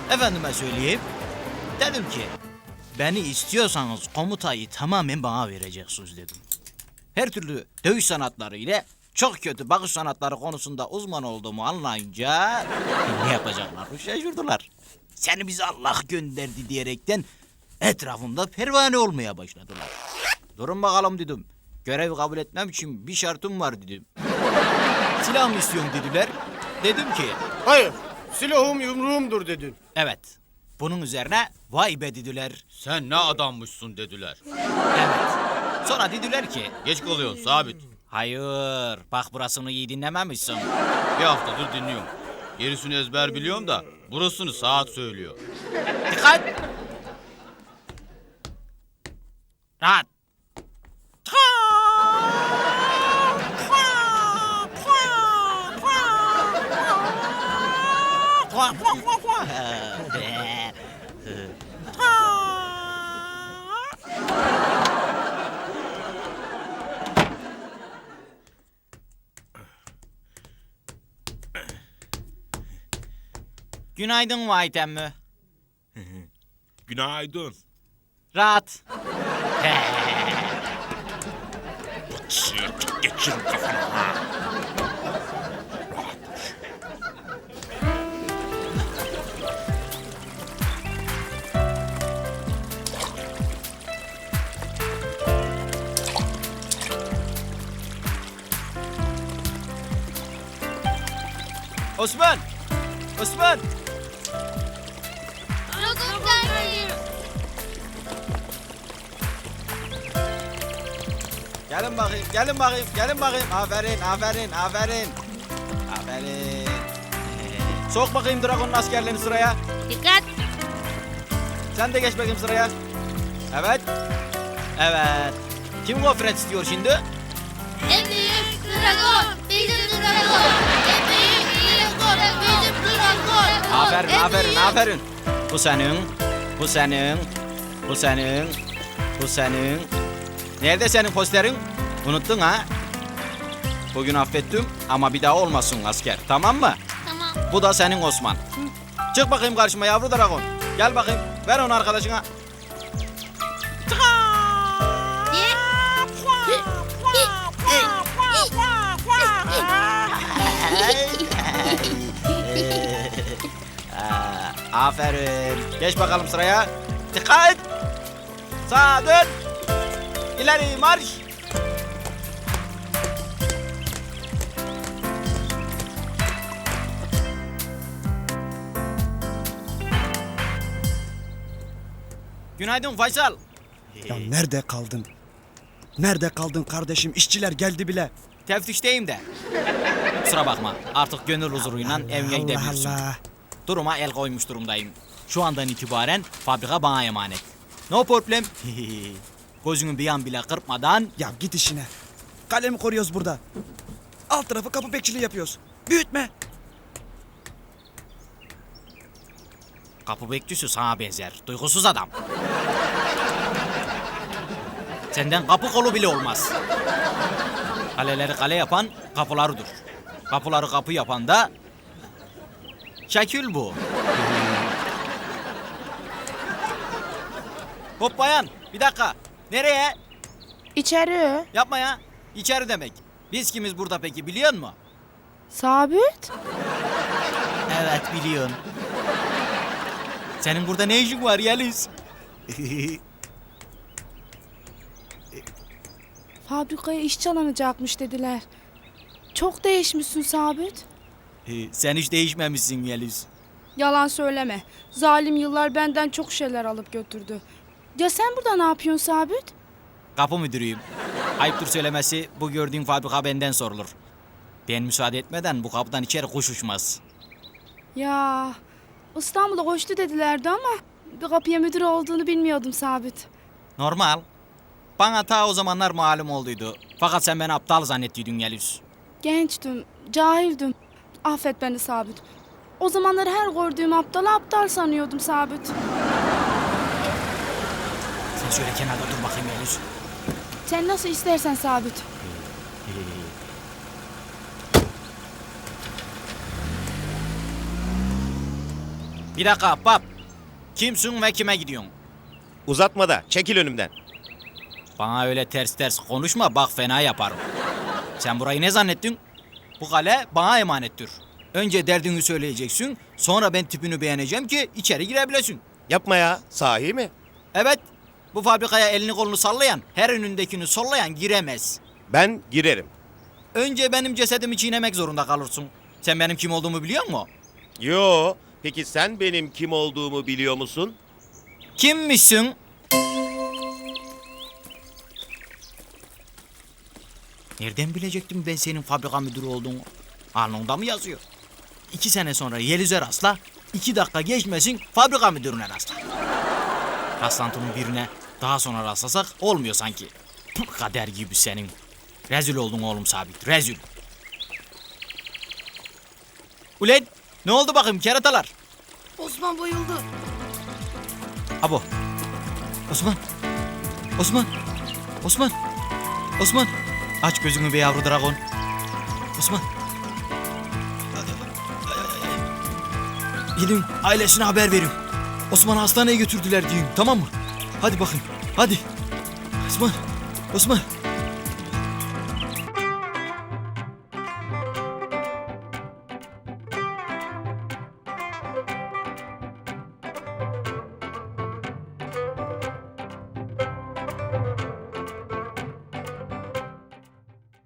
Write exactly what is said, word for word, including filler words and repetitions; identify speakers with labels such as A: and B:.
A: Efendime söyleyeyim. Dedim ki beni istiyorsanız komutayı tamamen bana vereceksiniz dedim. Her türlü dövüş sanatları ile çok kötü bakış sanatları konusunda uzman olduğumu anlayınca ne yapacaklar şaşırdılar. Seni bize Allah gönderdi diyerekten etrafımda pervane olmaya başladılar. Durun bakalım dedim. Görev kabul etmem için bir şartım var dedim. Silah mı istiyorsun dediler. Dedim ki
B: Hayır, silahım yumruğumdur dedin.
A: evet. Bunun üzerine vay be dediler.
C: Sen ne adammışsın dediler.
A: Evet. Sonra dediler ki
C: Geç kalıyorsun Sabit.
A: hayır bak burasını iyi dinlememişsin.
C: Bir haftadır dinliyorum. Gerisini ezber biliyorum da burasını saat söylüyor.
A: Dikkat! Rahat! Günaydın Vahit emmi.
D: Günaydın.
A: Rahat.
D: Sık geçir kafana ha.
A: Osman! Osman! Gelin bakayım, gelin bakayım, gelin bakayım. Aferin, aferin, aferin. Aferin. Sok bakayım Dragon'un askerlerini sıraya.
E: Dikkat.
A: Sen de geç bakayım sıraya. Evet. Evet. Kim gofret istiyor şimdi?
E: En büyük dragon bizim dragon. En büyük dragon bizim dragon.
A: Aferin,
E: En
A: aferin,
E: büyük-
A: aferin. Bu senin, bu senin, bu senin, bu senin. Nerede senin posterin? Unuttun ha? Bugün affettim ama bir daha olmasın asker, tamam mı?
E: Tamam.
A: Bu da senin Osman. Çık bakayım karşıma yavru dragon. Gel bakayım, ver onu arkadaşına. Aa, aferin. Geç bakalım sıraya. Dikkat! Sağa dön. İleri marş. Günaydın Faysal.
F: Ya nerede kaldın? Nerede kaldın kardeşim? İşçiler geldi bile.
A: Teftişteyim de. Kusura bakma. Artık gönül huzuruyla evine gidebilirsin.
F: Allah Allah.
A: Duruma el koymuş durumdayım. Şu andan itibaren fabrika bana emanet. No problem. Gözünü bir an bile kırpmadan
F: Ya git işine. Kalemi koruyoruz burada. Alt tarafı kapı bekçiliği yapıyoruz. Büyütme.
A: kapı bekçisi sana benzer. Duygusuz adam. Senden kapı kolu bile olmaz. Kaleleri kale yapan kapılarıdır. Kapıları kapı yapan da şekil bu. Hop bayan, bir dakika. Nereye?
G: İçeri.
A: Yapma ya. İçeri demek. Biz kimiz burada peki biliyor musun?
G: Sabit.
A: Evet biliyorum. Senin burada ne işin var Yeliz?
G: Fabrikaya işçi alınacakmış dediler. Çok değişmişsin Sabit.
A: Sen hiç değişmemişsin Yeliz.
G: Yalan söyleme. Zalim yıllar benden çok şeyler alıp götürdü. Ya sen burada ne yapıyorsun Sabit?
A: Kapı müdürüyüm. Ayıptır söylemesi, bu gördüğün fabrika benden sorulur. Ben müsaade etmeden bu kapıdan içeri kuş uçmaz.
G: Ya İstanbul'a koştu dedilerdi ama bir kapıya müdür olduğunu bilmiyordum Sabit.
A: Normal. Bana ta o zamanlar malum olduydu. Fakat sen beni aptal zannettiydin Yeliz.
G: Gençtim, cahildim. Affet beni Sabit. O zamanlar her gördüğüm aptalı aptal sanıyordum Sabit.
A: Sen şöyle kenarda dur bakayım Yeliz.
G: Sen nasıl istersen Sabit.
A: Bir dakika Ahbap. Kimsin ve kime gidiyorsun?
D: Uzatma da çekil önümden.
A: Bana öyle ters ters konuşma bak fena yaparım. Sen burayı ne zannettin? Bu kale bana emanettir. Önce derdini söyleyeceksin, sonra ben tipini beğeneceğim ki içeri girebilesin.
D: Yapma ya, sahi mi?
A: Evet, bu fabrikaya elini kolunu sallayan, her önündekini sollayan giremez.
D: Ben girerim.
A: Önce benim cesedimi çiğnemek zorunda kalırsın. Sen benim kim olduğumu biliyor musun?
D: Yo, peki sen benim kim olduğumu biliyor musun?
A: Kimmişsin? Nereden bilecektim ben senin fabrika müdürü olduğunu? Alnında mı yazıyor? İki sene sonra Yeliz'e rastla, iki dakika geçmesin fabrika müdürüne rastla. Rastlantının birine daha sonra rastlasak olmuyor sanki. Puh, kader gibi senin. Rezil oldun oğlum Sabit, rezil. Ulan ne oldu bakayım keratalar?
E: Osman bayıldı.
A: Abo. Osman. Osman. Osman. Osman. Aç gözünü be yavru dragon. Osman. Gidin ailesine haber verin. Osman'ı hastaneye götürdüler diyeyim tamam mı? Hadi bakın hadi. Osman. Osman.